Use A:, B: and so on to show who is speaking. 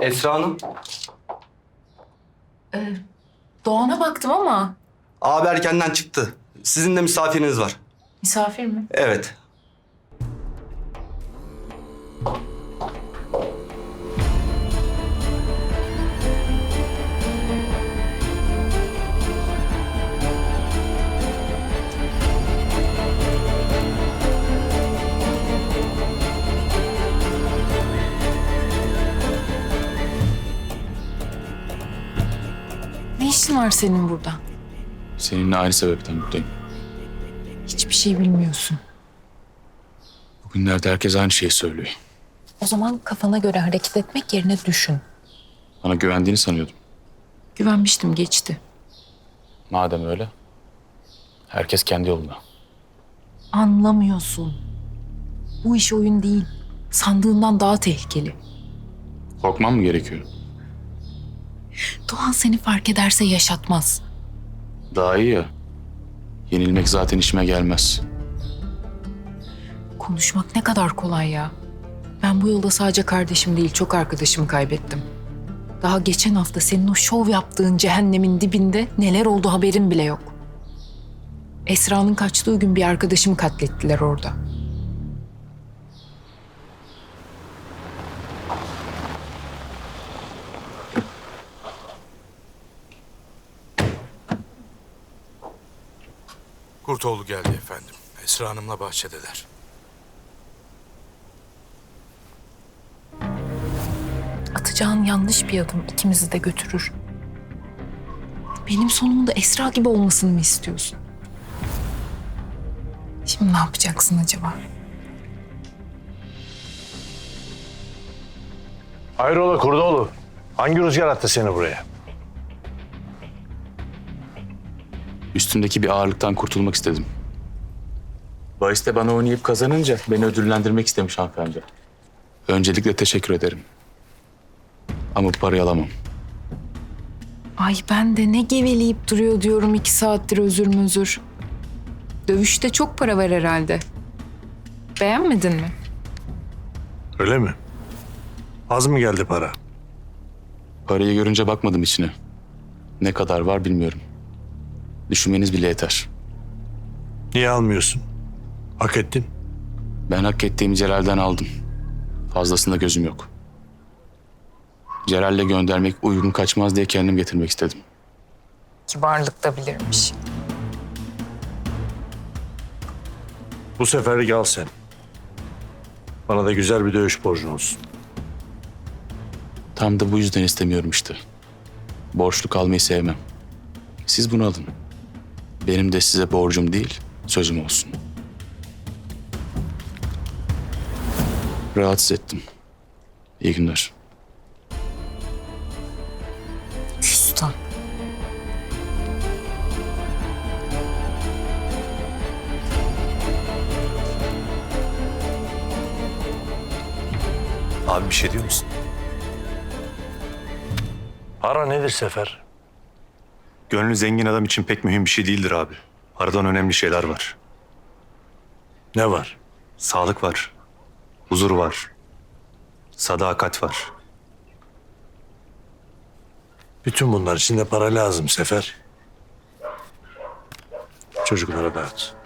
A: Esra Hanım.
B: Doğan'a baktım ama
A: Abi erkenden çıktı. Sizin de misafiriniz var.
B: misafir mi?
A: Evet.
B: Ne işin var senin burada?
C: Seninle aynı sebepten buradayım.
B: Hiçbir şey bilmiyorsun.
C: Bugünlerde herkes aynı şeyi söylüyor.
B: O zaman kafana göre hareket etmek yerine düşün.
C: Bana güvendiğini sanıyordum.
B: Güvenmiştim, geçti.
C: Madem öyle, herkes kendi yoluna.
B: Anlamıyorsun. Bu iş oyun değil. Sandığından daha tehlikeli.
C: Korkmam mı gerekiyor?
B: Doğan seni fark ederse yaşatmaz.
C: Daha iyi ya. Yenilmek zaten işime gelmez.
B: Konuşmak ne kadar kolay ya. Ben bu yolda sadece kardeşim değil, çok arkadaşımı kaybettim. Daha geçen hafta senin o şov yaptığın cehennemin dibinde neler oldu haberim bile yok. Esra'nın kaçtığı gün bir arkadaşımı katlettiler orada.
D: Kurtoğlu geldi efendim. Esra Hanım'la bahçedeler.
B: Atacağın yanlış bir adım ikimizi de götürür. Benim sonumun da Esra gibi olmasını mı istiyorsun? Şimdi ne yapacaksın acaba?
E: Hayrola Kurdoğlu? Hangi rüzgar attı seni buraya?
C: Üstümdeki bir ağırlıktan kurtulmak istedim. Bahiste bana oynayıp kazanınca beni ödüllendirmek istemiş hanımefendi. Öncelikle teşekkür ederim. Ama bu parayı alamam.
B: Ay ben de ne geveleyip duruyor diyorum 2 saattir özür. Dövüşte çok para var herhalde. Beğenmedin mi?
E: Öyle mi? Az mı geldi para?
C: Parayı görünce bakmadım içine. Ne kadar var bilmiyorum. Düşünmeniz bile yeter.
E: Niye almıyorsun? Hak ettin.
C: Ben hak ettiğimi Celal'den aldım. Fazlasında gözüm yok. Celal'le göndermek uygun kaçmaz diye kendim getirmek istedim.
B: Kibarlık da bilirmiş.
E: Bu seferlik al sen. Bana da güzel bir dövüş borcun olsun.
C: Tam da bu yüzden istemiyorum işte. Borçlu kalmayı sevmem. Siz bunu alın. Benim de size borcum değil, sözüm olsun. Rahatsız ettim. İyi günler.
B: Küstah.
F: Abi bir şey diyor musun?
E: Para nedir Sefer?
F: Gönlü zengin adam için pek mühim bir şey değildir abi. Aradan önemli şeyler var.
E: Ne var?
F: Sağlık var. Huzur var. Sadakat var.
E: Bütün bunlar için de para lazım Sefer. Çocuklara dağıt.